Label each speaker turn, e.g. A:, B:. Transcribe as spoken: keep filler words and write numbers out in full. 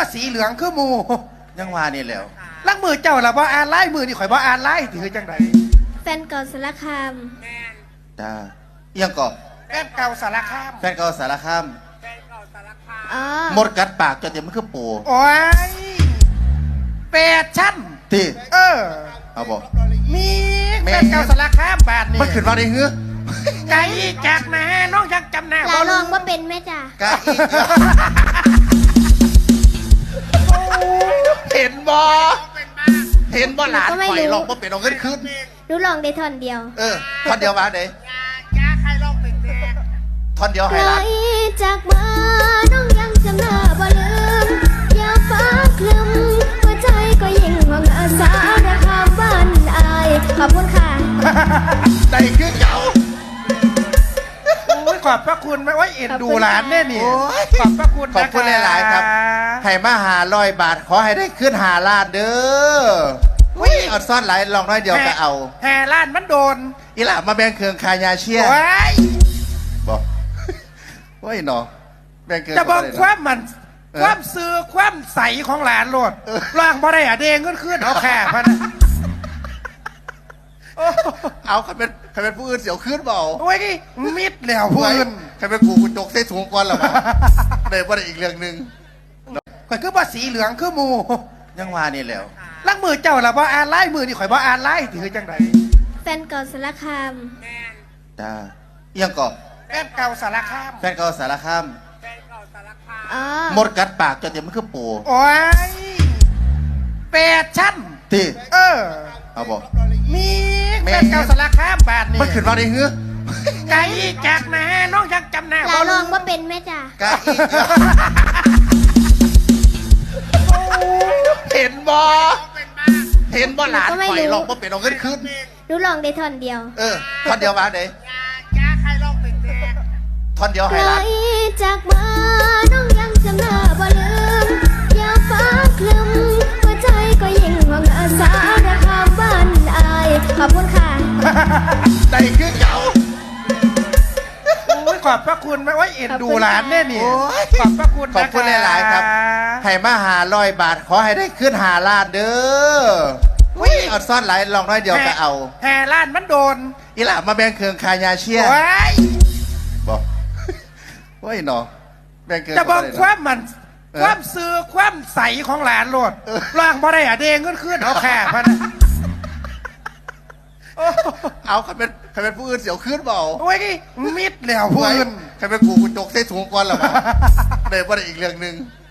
A: สีเหลืองคือหมู
B: ยังว่านี่แหล้ว
A: ลักมือเจ้าละบ่อ่านไล่มือนี่ข่อยบ่อ่านไล่ถือจังได
C: แฟนเก่าสารคาม
B: จ้าเอียงก่อ
A: แฟนเก่าสารคาม
B: แฟนเก่าสารคาม
C: อ๋อ
B: หมดกัดปากจนเต็มมันคือปู
A: โอ้ยแปดชั้น
B: ที่
A: เออ
B: เอาบอก
A: มีแฟนเก่าสารคามบาทนี่
B: มันขึ้นมาได้เหือ
A: ไก่จากนะน้องยังจำหน้า
C: ลาลองว่าเป็นไหมจ้ะ
B: กะอีกเห็นบ่เห็นบ่หลานข่อยลองบ่เป็นเอาเงินขึ้น
C: รู้ลองได้ท่อนเดียว
B: เออท่อนเดียวมาเด้
A: ยาใครลองเป็นแม่
B: ท่อนเดียว
C: ไก
B: ให้
C: ล
B: หลาน
C: จากมาน้องยังจำหน้าบ่ลืมอย่าฟ้าคลึมหัวใจก็ยิ่งห่วงอาสาระคามบ้านอายขอบคุณค่ะ
B: ได้คือเก่า
A: โอ้ยขอบพระคุณไหมโอ้ยเอ็นดูหลานแน่นี่ขอบพระคุณ
B: ขอบคุณหลายๆครับให้มาหาร้อยบาทขอให้ได้ขึ้นหาล้านเด้ออุ้ยเอาซ่อนหลายลองน้อยเดียวก็เอา
A: แห่ล้านมันโดน
B: อีหล่ามาแบ่งเครื่องคายาเชีย
A: โอ้ย
B: บอกโอ้ยหนอแบ่งเครื่อง
A: จะบอก
B: ได้
A: ความมัน
B: เออ
A: ความซื้อความใสของหลานโลดล่างบ่ได้อะเด้งขึ้นขึ้นเอาแค่พันนะโอ้
B: เอาใครเป็นใครเป็นผู้อื่นเสียวขึ้นเปล่า
A: โอ้ยมิดแล้วเพื่อน
B: ใครเป็นกูกูจกใส่ถุงก่อนหรอวะเดี๋ยวว่าอีกเรื่องหนึ่ง
A: ข่อยคือว่าสีเหลืองคือหมู
B: ยังว่านี่แหล้ว
A: ลักมือเจ้าละบ่อ่านไล่มือนี่ข่อยบ่อ่านไล่ถือจังได
C: แฟนเก่าสารคาม
B: จ้าเอียงก่อ
A: แฟนเก่าสารคาม
B: แฟนเก่าสารคาม
C: อ๋อ
B: หมดกัดปากจนเต็มมันคือปู
A: โอ้ยแปดชั้น
B: ที่
A: เออ
B: เอาบอก
A: มีแฟนเก่าสารคามบาทนี่
B: มันขึ้นมาได้เหือ
A: ไก่จากนะน้องยังจำหน้า
C: ลาลองว่าเป็นไหมจ้ะ
B: กะอีกเห็นบ่เห็นบ่หลานข่อยลองบ่เป็นเอาเงินขึ้น
C: รู้ลองได้ท่อนเดียว
B: เออท่อนเดียวมาเด้
A: ยาใครลองเป็นแม่
B: ท่อนเดียว
C: ไก
B: ให้
C: ล
B: หลาน
C: จากมาน้องยังจำหน้าบ่ลืมอย่าฟ้าคลึมหัวใจก็ยิ่งห่วงอาสาระคามบ้านอายขอบคุณค่ะ
B: ได้คือเก่า
A: โอ้ยขอบพระคุณไหมโอ้ยเอ็นดูหลานแน่นี่ขอบพระคุณ
B: ขอบคุณหลายๆครับให้มาหาร้อยบาทขอให้ได้ขึ้นหาล้านเด้ออุ้ยเอาซ่อนหลายลองน้อยเดียวก็เอา
A: แห่ล้านมันโดน
B: อีหล่ามาแบ่งเครื่องคายาเชีย
A: โอ้ย
B: บอกโอ้ยหนอแบ่งเครื่อง
A: จะบอก
B: ได้
A: ค
B: เนาะ
A: วามมันความซื้อความใสของหลานโลดล่างบ่ได้อะเด้งขึ้นขึ้นเอาแค่พันนะโอ้
B: เอาใครเป็นใครเป็นผู้อื่นเสียวขึ้นเปล่า
A: โอ้ยมิดแล้วเพื่อน
B: ใครเป็นกูกูจกใส่ถุงก่อนหรอวะเดี๋ยวว่าอีกเรื่องหนึ่ง